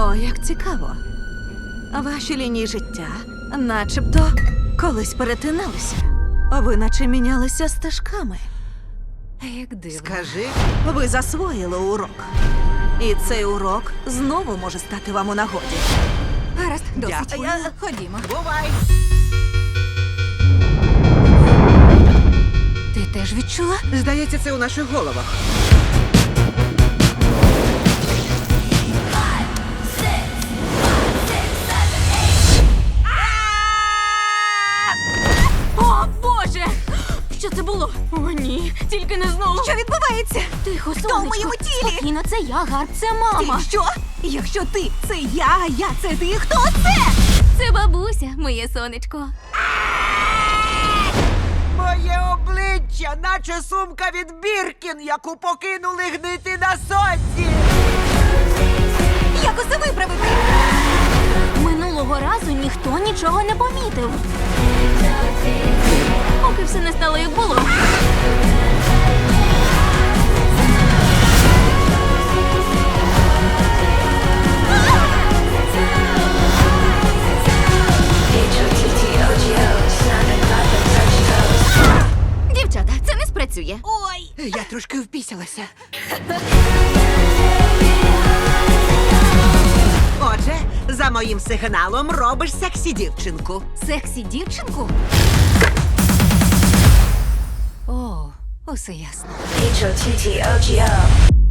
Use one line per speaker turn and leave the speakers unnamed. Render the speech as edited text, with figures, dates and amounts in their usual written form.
О, як цікаво. Ваші лінії життя начебто колись перетиналися. Ви наче мінялися стежками.
Як дивно.
Скажи,
Ви засвоїли урок. І цей урок знову може стати вам у нагоді.
Гаразд, досить.
Дякую.
Ходімо.
бувай!
Ти теж відчула?
Здається, це у наших головах.
О, Боже! Що це було? О, ні, тільки не знову.
Що відбувається?
Тихо,
Хто в
сонечко.
моєму тілі?
Спокійно, це я, Гарп, це мама.
Ти що? Якщо ти це я, а я це ти, хто це?
Це бабуся, моє сонечко.
Моє обличчя, наче сумка від Біркін, яку покинули гнити на сонці.
Як усе виправити?
Минулого разу ніхто нічого не помітив. Поки все не стало, як було. Дівчата, це не спрацює.
Ой!
Я трошки впісялася. Отже, за моїм сигналом робиш сексі дівчинку.
Сексі дівчинку? О, усе ясно.
H-O-T-T-O-G-O